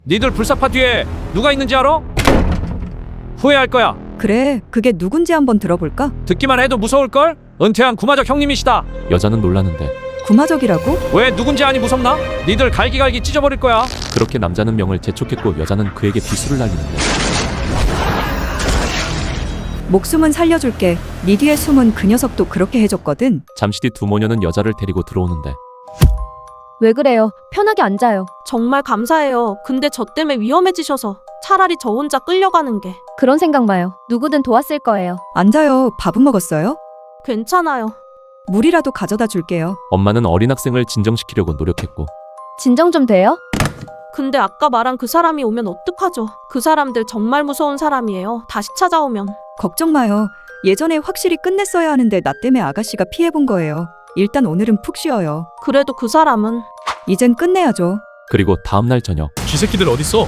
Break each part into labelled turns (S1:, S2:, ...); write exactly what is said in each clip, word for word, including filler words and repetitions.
S1: 니들 불사파 뒤에 누가 있는지 알아? 후회할 거야.
S2: 그래, 그게 누군지 한번 들어볼까?
S1: 듣기만 해도 무서울걸? 은퇴한 구마적 형님이시다.
S3: 여자는 놀라는데
S2: 구마적이라고?
S1: 왜 누군지 아니 무섭나? 니들 갈기갈기 찢어버릴 거야.
S3: 그렇게 남자는 명을 재촉했고 여자는 그에게 비수를 날리는데
S2: 목숨은 살려줄게. 네 뒤에 숨은 그 녀석도 그렇게 해줬거든.
S3: 잠시 뒤 두 모녀는 여자를 데리고 들어오는데
S4: 왜 그래요? 편하게 앉아요.
S5: 정말 감사해요. 근데 저 때문에 위험해지셔서 차라리 저 혼자 끌려가는 게.
S4: 그런 생각 마요. 누구든 도왔을 거예요.
S2: 앉아요. 밥은 먹었어요?
S5: 괜찮아요.
S2: 물이라도 가져다 줄게요.
S3: 엄마는 어린 학생을 진정시키려고 노력했고
S4: 진정 좀 돼요?
S5: 근데 아까 말한 그 사람이 오면 어떡하죠? 그 사람들 정말 무서운 사람이에요. 다시 찾아오면.
S2: 걱정 마요. 예전에 확실히 끝냈어야 하는데 나 때문에 아가씨가 피해본 거예요. 일단 오늘은 푹 쉬어요.
S5: 그래도 그 사람은.
S2: 이젠 끝내야죠.
S3: 그리고 다음날 저녁
S6: 쥐새끼들 어딨어?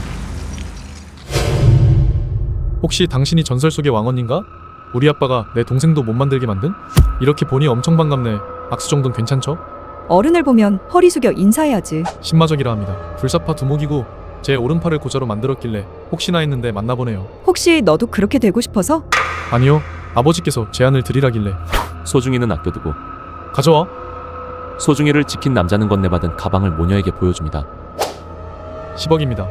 S6: 혹시 당신이 전설 속의 왕언인가? 우리 아빠가 내 동생도 못 만들게 만든? 이렇게 보니 엄청 반갑네. 악수 정도는 괜찮죠?
S2: 어른을 보면 허리 숙여 인사해야지.
S6: 신마적이라 합니다. 불사파 두목이고 제 오른팔을 고자로 만들었길래 혹시나 했는데 만나보네요.
S2: 혹시 너도 그렇게 되고 싶어서?
S6: 아니요, 아버지께서 제안을 드리라길래.
S3: 소중이는 아껴두고
S6: 가져와.
S3: 소중이를 지킨 남자는 건네받은 가방을 모녀에게 보여줍니다.
S6: 십억입니다.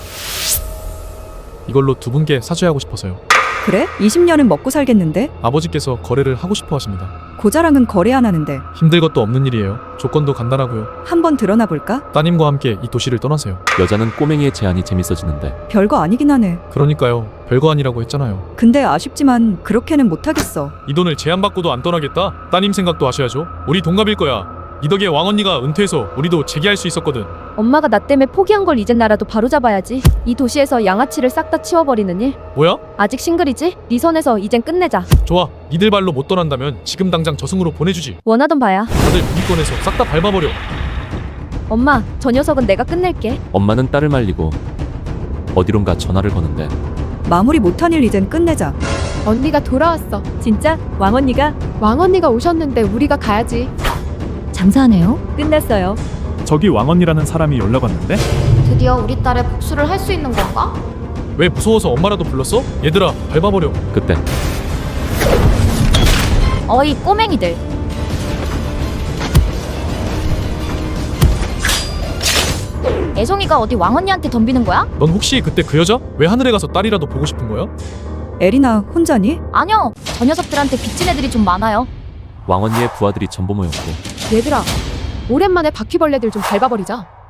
S6: 이걸로 두 분께 사죄하고 싶어서요.
S2: 그래? 이십 년은 먹고 살겠는데?
S6: 아버지께서 거래를 하고 싶어 하십니다.
S2: 고자랑은 거래 안 하는데.
S6: 힘들 것도 없는 일이에요. 조건도 간단하고요.
S2: 한번 드러나 볼까?
S6: 따님과 함께 이 도시를 떠나세요.
S3: 여자는 꼬맹이의 제안이 재밌어지는데
S2: 별거 아니긴 하네.
S6: 그러니까요. 별거 아니라고 했잖아요.
S2: 근데 아쉽지만 그렇게는 못하겠어.
S6: 이 돈을 제안받고도 안 떠나겠다? 따님 생각도 하셔야죠. 우리 동갑일 거야. 이 덕에 왕언니가 은퇴해서 우리도 재기할 수 있었거든.
S4: 엄마가 나 때문에 포기한 걸 이젠 나라도 바로잡아야지. 이 도시에서 양아치를 싹 다 치워버리는 일.
S6: 뭐야?
S4: 아직 싱글이지? 네 선에서 이젠 끝내자.
S6: 좋아. 니들 발로 못 떠난다면 지금 당장 저승으로 보내주지.
S4: 원하던 바야.
S6: 다들 무기권에서 싹 다 밟아버려.
S4: 엄마, 저 녀석은 내가 끝낼게.
S3: 엄마는 딸을 말리고 어디론가 전화를 거는데
S2: 마무리 못한 일 이젠 끝내자.
S7: 언니가 돌아왔어.
S2: 진짜? 왕언니가?
S7: 왕언니가 오셨는데 우리가 가야지.
S2: 장사하네요. 끝났어요.
S8: 저기 왕언니라는 사람이 연락 왔는데?
S9: 드디어 우리 딸의 복수를 할 수 있는 건가?
S6: 왜 무서워서 엄마라도 불렀어? 얘들아 밟아버려.
S3: 그때
S9: 어이 꼬맹이들. 애송이가 어디 왕언니한테 덤비는 거야?
S6: 넌 혹시 그때 그 여자? 왜 하늘에 가서 딸이라도 보고 싶은 거야?
S2: 에리나 혼자니?
S9: 아니요. 저 녀석들한테 빚진 애들이 좀 많아요.
S3: 왕언니의 부하들이 전부 모였고
S7: 얘들아, 오랜만에 바퀴벌레들 좀 밟아버리자.